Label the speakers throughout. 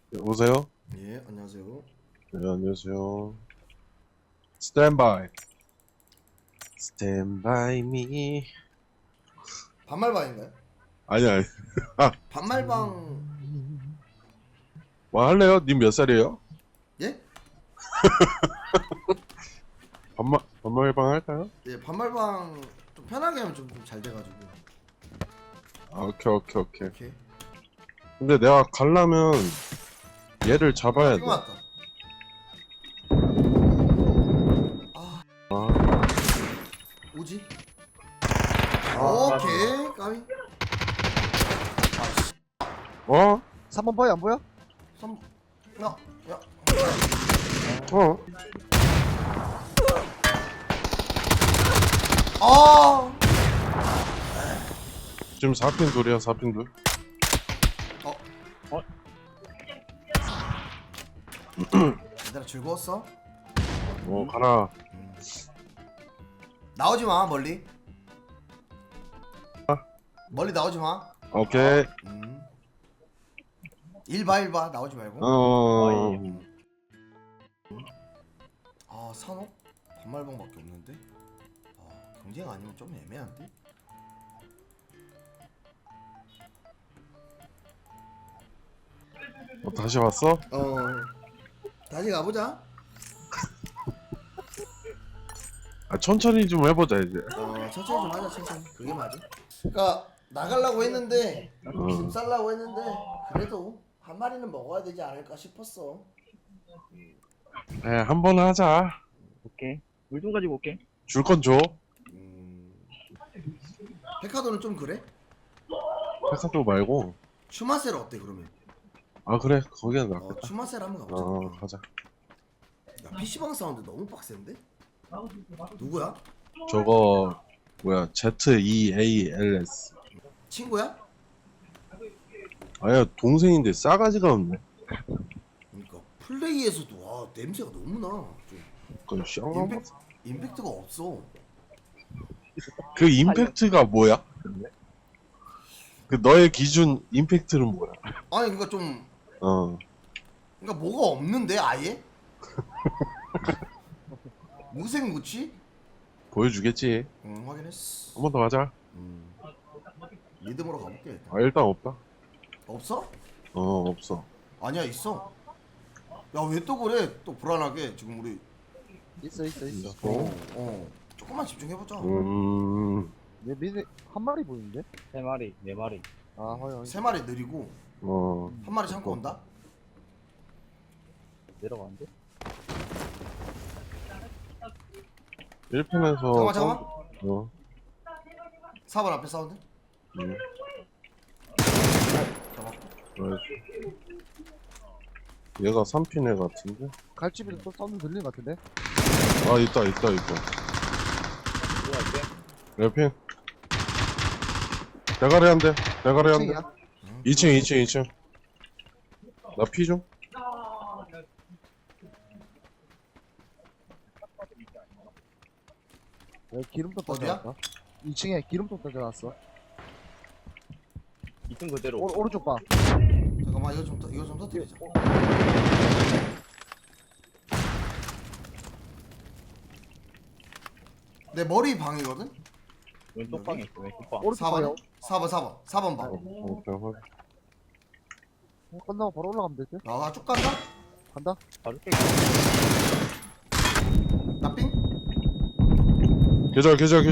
Speaker 1: 여보세요?
Speaker 2: 예, 안녕하세요.
Speaker 1: 네, 안녕하세요. 스탠바이. 스탠바이 미.
Speaker 2: 반말방인가요?
Speaker 1: 아니.
Speaker 2: 반말방.
Speaker 1: 뭐 할래요? 님 몇 살이에요?
Speaker 2: 예?
Speaker 1: 반말방 할까요?
Speaker 2: 예, 반말방 좀 편하게 하면 좀 잘 돼가지고.
Speaker 1: 아, 오케이.
Speaker 2: 오케이.
Speaker 1: 근데 내가 가려면 얘를 잡아야 돼.
Speaker 2: 이거 맞다. 아,
Speaker 1: 아,
Speaker 2: 오지?
Speaker 1: 아,
Speaker 2: 오케이, 까비.
Speaker 1: 어?
Speaker 3: 3번 보여 안 보여?
Speaker 2: 삼, 야, 야.
Speaker 1: 어?
Speaker 2: 아,
Speaker 1: 지금 4핀 둘이야, 4핀 둘.
Speaker 2: 얘들아 즐거웠어?
Speaker 1: 가라.
Speaker 2: 나오지 마, 멀리. 멀리 나오지 마.
Speaker 1: 오케이.
Speaker 2: 일 봐, 나오지 말고. 아, 산업? 반말방밖에 없는데? 아, 경쟁 아니면 좀 애매한데?
Speaker 1: 다시 왔어?
Speaker 2: 다시 가보자.
Speaker 1: 천천히 좀 해보자, 이제.
Speaker 2: 천천히 좀 하자, 천천히. 그게 맞아. 그니까, 나가려고 했는데, 짐 싸려고 했는데, 그래도 한 마리는 먹어야 되지 않을까 싶었어.
Speaker 1: 네, 한 번 하자.
Speaker 3: 오케이. 물 좀 가지고 올게.
Speaker 1: 줄 건 줘.
Speaker 2: 페카도는 좀 그래?
Speaker 1: 회사도 말고.
Speaker 2: 슈마셀 어때, 그러면?
Speaker 1: 아, 그래. 거기는 낫겠다.
Speaker 2: 슈마셀 한번 가보자.
Speaker 1: 가자.
Speaker 2: 야, PC방 사운드 너무 빡센데? 누구야?
Speaker 1: 저거 뭐야 ZEALS.
Speaker 2: 친구야?
Speaker 1: 아야 동생인데 싸가지가 없네.
Speaker 2: 그러니까 플레이에서도 와 냄새가 너무 나. 좀
Speaker 1: 그건 쌍.
Speaker 2: 임팩트가 없어.
Speaker 1: 그 임팩트가 뭐야? 그 너의 기준 임팩트는 뭐야?
Speaker 2: 아니 그러니까 좀
Speaker 1: 어.
Speaker 2: 그러니까 뭐가 없는데 아예? 무생무치?
Speaker 1: 보여주겠지.
Speaker 2: 확인했어.
Speaker 1: 한 번 더 하자.
Speaker 2: 리듬으로 가볼게 일단.
Speaker 1: 아 일단 없다.
Speaker 2: 없어?
Speaker 1: 없어.
Speaker 2: 아니야 있어. 야 왜 또 그래? 또 불안하게 지금 우리
Speaker 3: 있어.
Speaker 2: 조금만 집중해보자.
Speaker 3: 내 미드 한 마리 보이는데?
Speaker 4: 세 마리, 네 마리.
Speaker 3: 아 허영.
Speaker 2: 세 마리 느리고 한 마리 참고 온다.
Speaker 4: 내려가는데?
Speaker 1: 1편에서
Speaker 2: 잠깐만. 4번 앞에 사운드. 잡았고.
Speaker 1: 얘가 3핀 애 같은데?
Speaker 3: 갈집에도 또 사운드 들리는 것 같은데?
Speaker 1: 아 있다.
Speaker 4: 들어갈게.
Speaker 1: 레핀. 대가리 한 대. 2층. 나 피 좀.
Speaker 3: 여기 기름통
Speaker 2: 어디야?
Speaker 3: 던져놨다. 2층에 기름통 던져놨어.
Speaker 4: 2층 그대로.
Speaker 3: 오른쪽 봐.
Speaker 2: 잠깐만 이거 좀 터뜨리자. 내 머리 방이거든?
Speaker 4: 왼쪽 방에 있어, 왼쪽 방.
Speaker 3: 오른쪽 봐요.
Speaker 2: 4번 방.
Speaker 1: 오케이.
Speaker 3: 끝나고 바로 올라가면 되지?
Speaker 2: 쭉 간다?
Speaker 3: 간다.
Speaker 4: 바로 깨.
Speaker 2: 나 삥?
Speaker 1: 계절.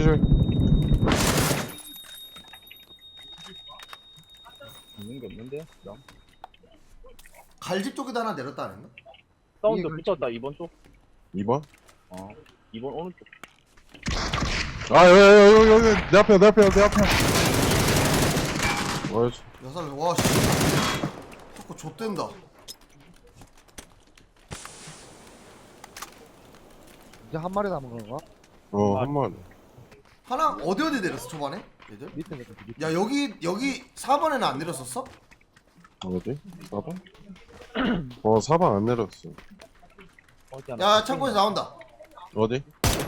Speaker 4: 있는 게 없는데? 그냥.
Speaker 2: 갈집 쪽에다 하나 내렸다 안 했나?
Speaker 4: 사운드
Speaker 3: 이게
Speaker 4: 붙었다, 2번 쪽.
Speaker 1: 2번?
Speaker 4: 2번 오른쪽.
Speaker 1: 아 여기 내 앞에. 어이씨.
Speaker 2: 여살 와씨 자꾸 좆된다.
Speaker 3: 이제 한 마리 남은 건가?
Speaker 1: 한 마리.
Speaker 2: 하나 어디 내렸어 초반에? 얘들?
Speaker 3: 밑에 내렸어. 밑에.
Speaker 2: 야 여기 4번에는 안 내렸었어?
Speaker 1: 어디? 4번? 4번 안 내렸어.
Speaker 4: 어디 하나.
Speaker 2: 야 창고에서 나온다.
Speaker 1: 어디?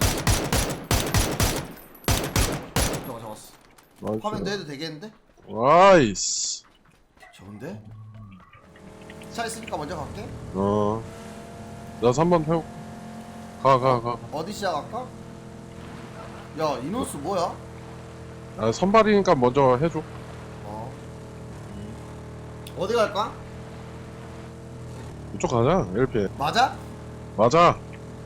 Speaker 2: 잡았어.
Speaker 1: 나이스.
Speaker 2: 화면 내도 되겠는데?
Speaker 1: 나이스.
Speaker 2: 좋은데? 차 있으니까 먼저 갈게.
Speaker 1: 나 3번 태워. 가.
Speaker 2: 어디 시작할까? 야 인원수 뭐야?
Speaker 1: 아, 선발이니까 먼저 해줘.
Speaker 2: 어디 갈까?
Speaker 1: 이쪽 가자, 1피.
Speaker 2: 맞아?
Speaker 1: 맞아.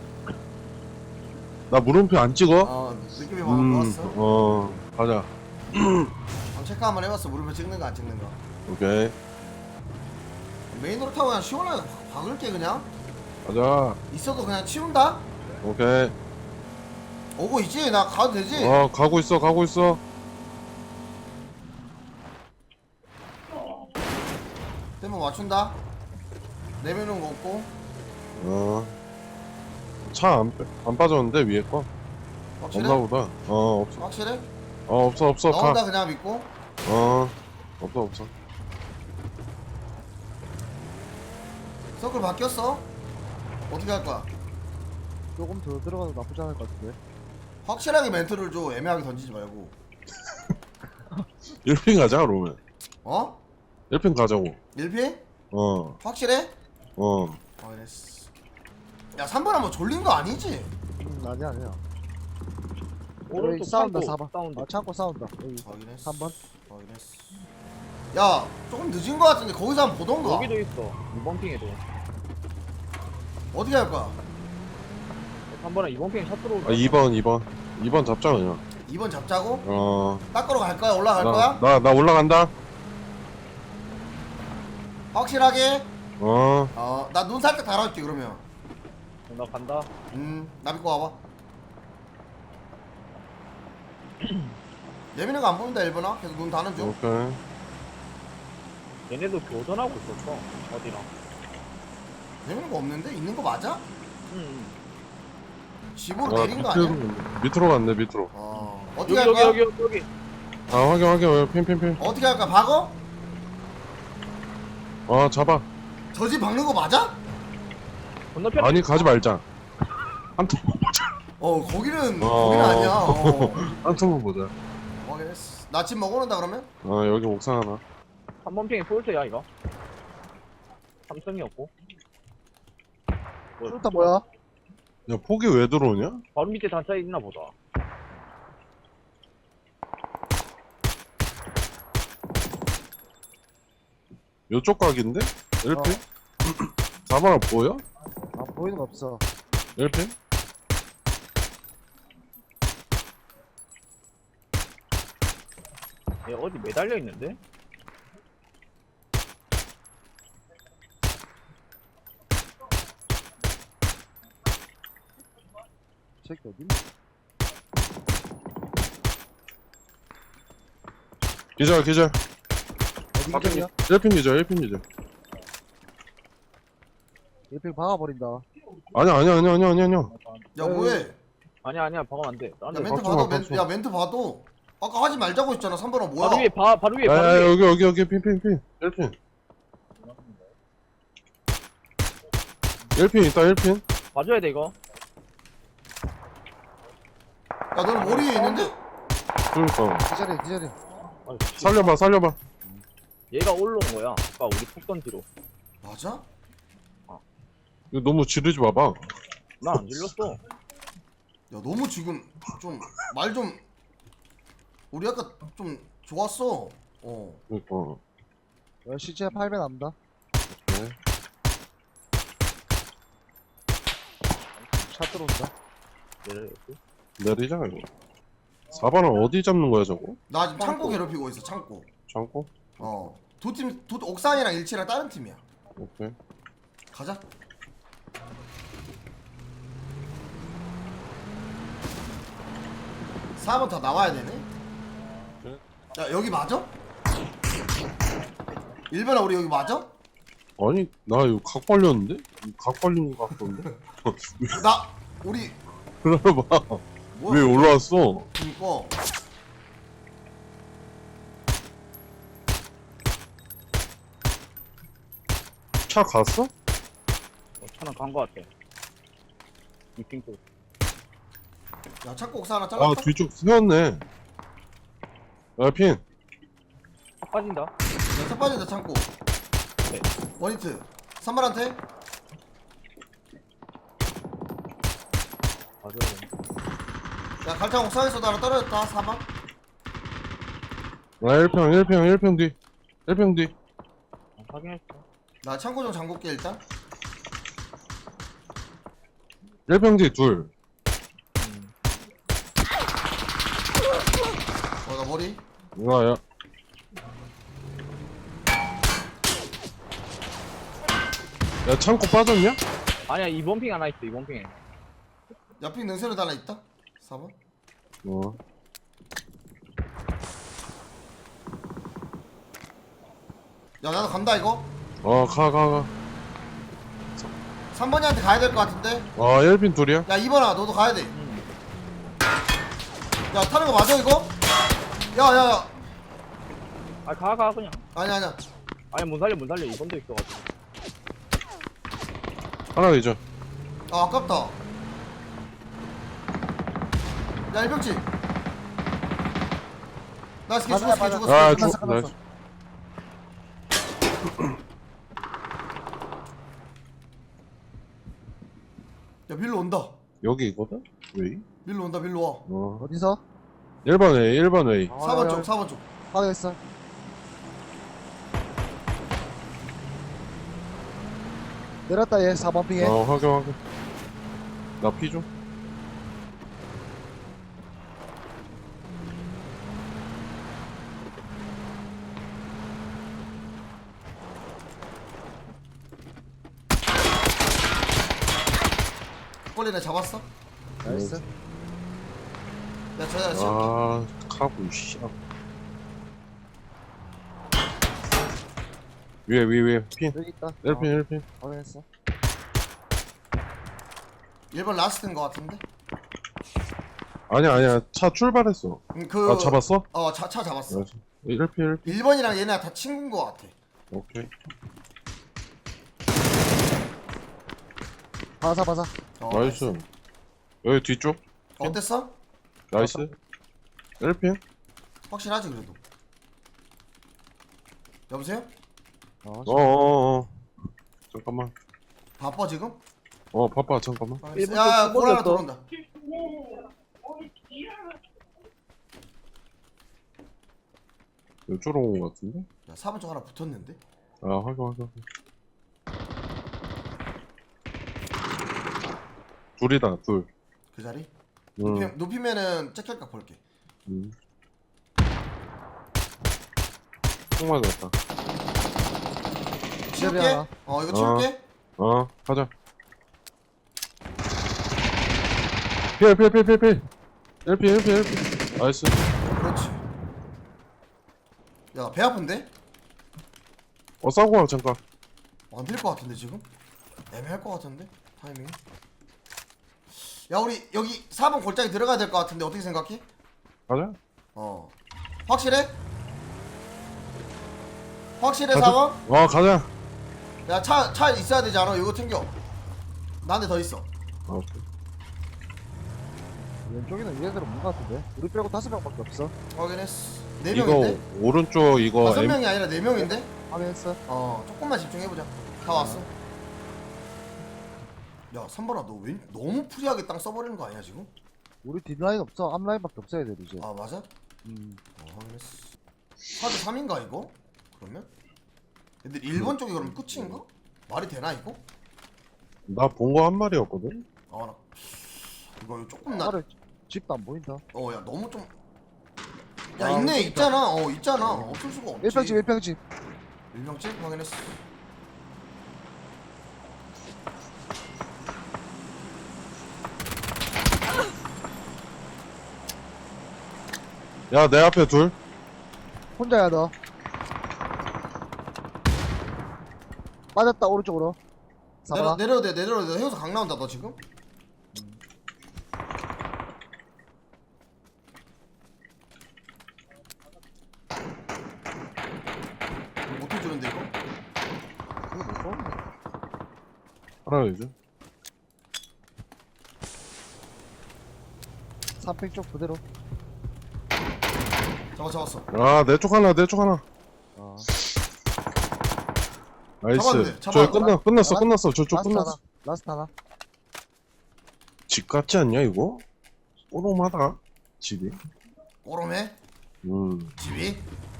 Speaker 1: 나 물음표 안 찍어?
Speaker 2: 느낌이 방금 좋았어.
Speaker 1: 가자.
Speaker 2: 한번 체크 한번 해봤어. 물음표 찍는 거 안 찍는 거.
Speaker 1: 오케이.
Speaker 2: 메인으로 타고 그냥 시원하게 박을게 그냥.
Speaker 1: 가자.
Speaker 2: 있어도 그냥 치운다?
Speaker 1: 오케이.
Speaker 2: 오고 있지? 나 가도 되지?
Speaker 1: 가고 있어.
Speaker 2: 템포 맞춘다. 내면은 거 없고.
Speaker 1: 차 안 빠졌는데, 위에 거?
Speaker 2: 확실해?
Speaker 1: 없나 보다. 없어.
Speaker 2: 확실해?
Speaker 1: 없어.
Speaker 2: 너 혼자 그냥 믿고.
Speaker 1: 없어.
Speaker 2: 서클 바뀌었어? 어떻게 할 거야?
Speaker 3: 조금 더 들어가도 나쁘지 않을 것 같은데.
Speaker 2: 확실하게 멘트를 줘. 애매하게 던지지 말고.
Speaker 1: 1핀 가자, 그러면.
Speaker 2: 어?
Speaker 1: 1핀 가자고.
Speaker 2: 1피?
Speaker 1: 어.
Speaker 2: 확실해? 이랬어. 야 3번 한번 졸린 거 아니지?
Speaker 3: 아니야.
Speaker 4: 오른쪽
Speaker 3: 여기 싸운다,
Speaker 4: 창고
Speaker 3: 4번.
Speaker 4: 사운드.
Speaker 3: 창고 싸운다. 여기
Speaker 2: 확인했어.
Speaker 3: 3번.
Speaker 2: 확인했어. 야 조금 늦은 거 같은데 거기서 한번 보던가.
Speaker 4: 여기도 있어. 이번 핑에도.
Speaker 2: 어떻게 할 거야?
Speaker 4: 한 번에 이번 핑에 샷 들어오고.
Speaker 1: 2번 잡자, 그냥.
Speaker 2: 2번 잡자고?
Speaker 1: 나
Speaker 2: 닦으러 갈 거야? 올라갈 거야?
Speaker 1: 올라간다.
Speaker 2: 확실하게?
Speaker 1: 어.
Speaker 2: 나 눈 살짝 달아줄게 그러면.
Speaker 4: 나 간다.
Speaker 2: 나 믿고 와봐. 예민한 거 안 보인다 1번아? 계속 눈 다는 중.
Speaker 1: 오케이.
Speaker 4: 얘네도 교전하고 있었어. 어디랑.
Speaker 2: 예민한 거 없는데? 있는 거 맞아?
Speaker 4: 응.
Speaker 2: 집으로 내린 거 아니야?
Speaker 1: 밑으로 갔네, 밑으로.
Speaker 2: 어떻게 할 거야?
Speaker 4: 여기.
Speaker 1: 확인. 핀.
Speaker 2: 어떻게 할까? 박어?
Speaker 1: 잡아.
Speaker 2: 저 집 박는 거 맞아?
Speaker 4: 건너편.
Speaker 1: 아니, 가지 말자. 한
Speaker 2: 거기는 아니야.
Speaker 1: 턴만 보자.
Speaker 2: 확인했어. 나 집 먹어놓는다 그러면?
Speaker 1: 여기 옥상 하나.
Speaker 4: 3번 핑에 폴트야 이거. 삼성이었고.
Speaker 3: sulta 뭐야?
Speaker 1: 야, 폭이 왜 들어오냐?
Speaker 4: 바로 밑에 단차 있나 보다.
Speaker 1: 요쪽 각인데? 1핀? 4번아 보여?
Speaker 3: 보이는 거 없어.
Speaker 1: 1핀?
Speaker 4: 얘 어디 매달려 있는데?
Speaker 3: 새끼 어디?
Speaker 1: 기절.
Speaker 3: 어디 기절이야?
Speaker 1: 1핀 기절.
Speaker 3: 1핑 박아버린다.
Speaker 1: 아니야.
Speaker 2: 야 뭐해?
Speaker 4: 아니야 박으면 안 돼.
Speaker 2: 야
Speaker 4: 안 돼.
Speaker 2: 멘트
Speaker 1: 박수
Speaker 2: 봐도
Speaker 1: 마, 박수.
Speaker 2: 야 멘트 봐도 아까 하지 말자고 했잖아 3번아 뭐야?
Speaker 4: 바로 위에
Speaker 1: 야, 여기 핀. 1핀. 1핀 있다, 1핀.
Speaker 4: 봐줘야 돼 이거.
Speaker 2: 야 너는 머리 위에 있는데?
Speaker 1: 그러니까.
Speaker 3: 기절해.
Speaker 4: 아유,
Speaker 1: 살려봐.
Speaker 4: 얘가 올라온 거야. 아까 우리 푹 던지로.
Speaker 2: 맞아?
Speaker 1: 이거 너무 지르지 마봐.
Speaker 4: 나 안 질렀어.
Speaker 2: 야 너무 지금 좀 말 좀 우리 아까 좀 좋았어.
Speaker 1: 그러니까.
Speaker 3: 야, 시체 8배 남다.
Speaker 1: 네.
Speaker 3: 차 들어온다.
Speaker 4: 내려야지.
Speaker 1: 내리자, 이거. 4번은 어디 잡는 거야, 저거?
Speaker 2: 나 지금 창고 괴롭히고 있어 창고.
Speaker 1: 창고?
Speaker 2: 두 팀 옥상이랑 일치랑 다른 팀이야.
Speaker 1: 오케이.
Speaker 2: 가자. (4번) 다 나와야 되네.
Speaker 1: 네.
Speaker 2: 야 여기 맞아? 1번아 우리 여기 맞아?
Speaker 1: 아니, 나 이거 각 벌렸는데? 각 벌린 것 같던데?
Speaker 2: 나 우리
Speaker 1: 그래봐.
Speaker 2: 뭐야?
Speaker 1: 왜 올라왔어?
Speaker 2: 그니까
Speaker 1: 차 갔어?
Speaker 4: 차는 간 거 같아. 미팅 쪽.
Speaker 2: 야 창고 옥상 하나
Speaker 1: 아,
Speaker 2: 잘랐다.
Speaker 1: 뒤쪽 세웠네. 야, 핀.
Speaker 4: 차 빠진다.
Speaker 2: 차 빠진다 창고.
Speaker 4: 네.
Speaker 2: 원히트. 3번한테
Speaker 4: 맞아.
Speaker 2: 야 갈창 옥상에서도 하나 떨어졌다 4번.
Speaker 1: 아 1평 뒤 1평 뒤
Speaker 4: 확인했어.
Speaker 2: 나 창고 좀 잠글게 일단.
Speaker 1: 1평 뒤둘
Speaker 2: 나 머리.
Speaker 1: 이거야. 야 창고 빠졌냐?
Speaker 4: 아니야, 이번 핑 하나 있어, 이번 핑에.
Speaker 2: 옆에 능선에도 하나 있다 4번.
Speaker 1: 어.
Speaker 2: 야 나도 간다 이거.
Speaker 1: 가.
Speaker 2: 3번이한테 가야 될 것 같은데.
Speaker 1: 1핀 둘이야?
Speaker 2: 야 2번아 너도 가야 돼. 야 타는 거 맞아 이거? 야야야.
Speaker 4: 아, 가, 그냥.
Speaker 2: 아니야.
Speaker 4: 아니, 못 살려, 이번도 있어가지고.
Speaker 1: 하나 더 있죠.
Speaker 2: 아 아깝다. 야 일병치. 나 스키 죽었어 스키
Speaker 3: 맞아.
Speaker 2: 죽었어.
Speaker 1: 아
Speaker 2: 스키.
Speaker 1: 나이스.
Speaker 2: 야 밀로 온다.
Speaker 1: 여기 이거든? 왜?
Speaker 2: 밀로 온다 밀로 와.
Speaker 3: 어디서?
Speaker 1: 1번 웨이 1번 웨이
Speaker 2: 4번 쪽 4번 쪽.
Speaker 3: 확인했어. 내렸다 얘 4번 핑에.
Speaker 1: 확인 나 피 좀.
Speaker 2: 꼴리네 잡았어?
Speaker 3: 나이스.
Speaker 2: 야 저야 지금
Speaker 1: 카고 씨 위에 핀
Speaker 3: 여기 있다.
Speaker 1: 1핀
Speaker 3: 확인했어.
Speaker 2: 1번 라스트인 것 같은데?
Speaker 1: 아니야 차 출발했어.
Speaker 2: 그
Speaker 1: 잡았어?
Speaker 2: 차 잡았어.
Speaker 1: 나이스. 1핀
Speaker 2: 1번이랑 얘네가 다 친구인 것 같아.
Speaker 1: 오케이.
Speaker 3: 바사.
Speaker 1: 나이스. 여기 뒤쪽
Speaker 2: 어땠어?
Speaker 1: 나이스. 1핀
Speaker 2: 확실하지 그래도. 여보세요?
Speaker 1: 잠깐만.
Speaker 2: 바빠 지금?
Speaker 1: 바빠 잠깐만.
Speaker 4: 일본
Speaker 2: 야
Speaker 4: 쪽
Speaker 2: 골 하나
Speaker 4: 뚫었어.
Speaker 2: 들어온다.
Speaker 1: 이쪽으로 온 거 같은데?
Speaker 2: 야 4번 쪽 하나 붙었는데?
Speaker 1: 확인. 둘이다 둘.
Speaker 2: 그 자리?
Speaker 1: 응.
Speaker 2: 높이면은 찍힐까 볼게.
Speaker 1: 총 맞았다.
Speaker 2: 치울게.
Speaker 3: 하나.
Speaker 2: 이거 치울게.
Speaker 1: 가자. 필. 1핀. 나이스.
Speaker 2: 그렇지. 야 배 아픈데?
Speaker 1: 싸고 와 잠깐.
Speaker 2: 안 될 것 같은데 지금? 애매할 것 같은데? 타이밍이? 야 우리 여기 4번 골짜기 들어가야 될 것 같은데 어떻게 생각해?
Speaker 1: 가자.
Speaker 2: 확실해? 확실해
Speaker 1: 가자.
Speaker 2: 4번?
Speaker 1: 가자.
Speaker 2: 야 차 있어야 되지 않아? 이거 챙겨. 나한테 더 있어.
Speaker 1: 오케이.
Speaker 3: 왼쪽에는 얘들 없는 것 같은데. 우리 빼고 5명밖에 없어.
Speaker 2: 확인했어.
Speaker 1: 이거
Speaker 2: 4명인데?
Speaker 1: 오른쪽 이거
Speaker 2: 5명이 아니라 4명인데?
Speaker 3: 확인했어.
Speaker 2: 조금만 집중해보자. 다 왔어. 야 3번아 너 왜 너무 프리하게 땅 써버리는 거 아니야 지금?
Speaker 3: 우리 뒷라인 없어. 앞라인밖에 없어 애들 이제.
Speaker 2: 아 맞아?
Speaker 3: 음.
Speaker 2: 확인했어. 4대 3인가 이거? 그러면? 근데 1번 쪽이 그럼 끝인가? 말이 되나 이거?
Speaker 1: 나 본 거 한 마리였거든.
Speaker 2: 나 이거 조금
Speaker 3: 나를 집도 안 보인다.
Speaker 2: 야 너무 좀. 야 있네 있잖아. 있잖아. 없을 수가 없지.
Speaker 3: 1평집.
Speaker 2: 1명집 확인했어.
Speaker 1: 야 내 앞에 둘.
Speaker 3: 혼자야 너. 빠졌다 오른쪽으로. 사바.
Speaker 2: 내려도 돼. 해우서 강 나온다 너 지금? 못 해주는데 이거?
Speaker 1: 하나 이제.
Speaker 3: 3평 쪽 그대로.
Speaker 2: 잡았어.
Speaker 1: 내 쪽 하나.
Speaker 3: 어.
Speaker 1: 나이스.
Speaker 2: 잡았네,
Speaker 1: 저
Speaker 2: 잡았네.
Speaker 1: 끝났어. 저쪽
Speaker 3: 라스트
Speaker 1: 끝났어.
Speaker 3: 하나. 라스트 하나.
Speaker 1: 집 같지 않냐 이거? 오놈하다 집이.
Speaker 2: 오롬해? 집이?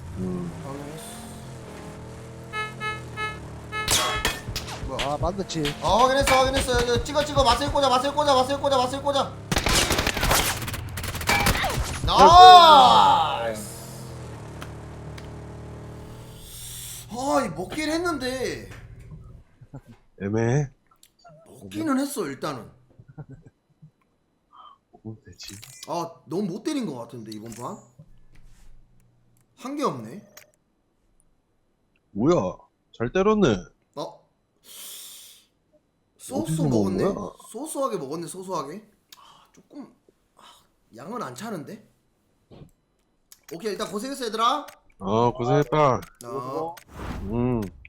Speaker 3: 아, 만드치.
Speaker 2: 확인했어. 여기 찍어. 맛을 꽂아. 나이스! 이 먹긴 했는데.
Speaker 1: 애매해.
Speaker 2: 먹기는 했어, 일단은.
Speaker 1: 뭐 되지?
Speaker 2: 너무 못 때린 것 같은데, 이번 판? 한 게 없네.
Speaker 1: 뭐야? 잘 때렸네.
Speaker 2: 소스
Speaker 1: 어디서
Speaker 2: 먹었네.
Speaker 1: 먹은 거야?
Speaker 2: 소소하게 먹었네. 조금 양은 안 차는데. 오케이, 일단 고생했어 얘들아.
Speaker 1: 고생했다.
Speaker 2: 어.
Speaker 1: 음.